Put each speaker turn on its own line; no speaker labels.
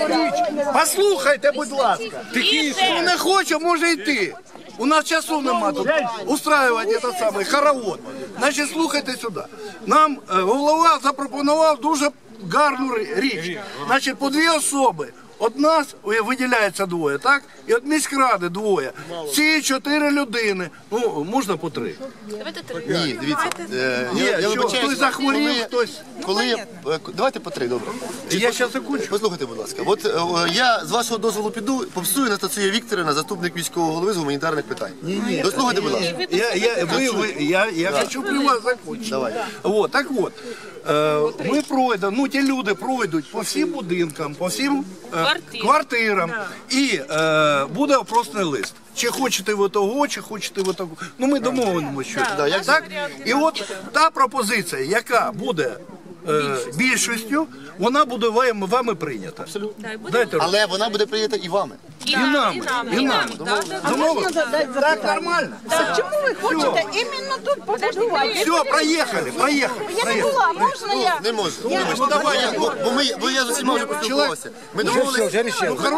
Послухайте, будь ласка. Хто не хоче, може йти. У нас часу нема тут устраювати цей самий хоровод. Значить, слухайте сюди. Нам голова запропонував дуже гарну річ. Значить, по 2 особи. От нас виділяється 2, так? І от міськради 2. Ці 4 людини. Ну, можна по 3.
Давайте 3.
Ні, дивіться.
Ні, що, хтось захворів, хтось...
Давайте по 3, добре.
Я зараз закінчу.
Послухайте, будь ласка. От я з вашого дозволу піду, попсую Анастасія Вікторівна, заступник міського голови з гуманітарних питань. Дослухайте, будь ласка.
Я хочу при вас закончити.
Давай.
Вот, так от, ми пройдемо, ну ті люди пройдуть по всім будинкам, по всім квартирам. І буде опросний лист. Чи хочете ви того, чи хочете ви того. Ну ми домовимося щось. Так? І от та пропозиція, яка буде більшістю, вона буде вами прийнята. Дайте руку.
Але вона буде прийнята і вами.
І нами. Домовились? Так, нормально.
Чому ви хочете іменно тут побудувати?
Все, проїхали.
Я не була, можна я?
Не можу. Бо я з усіма вже поспілкувався. Ми домовилися.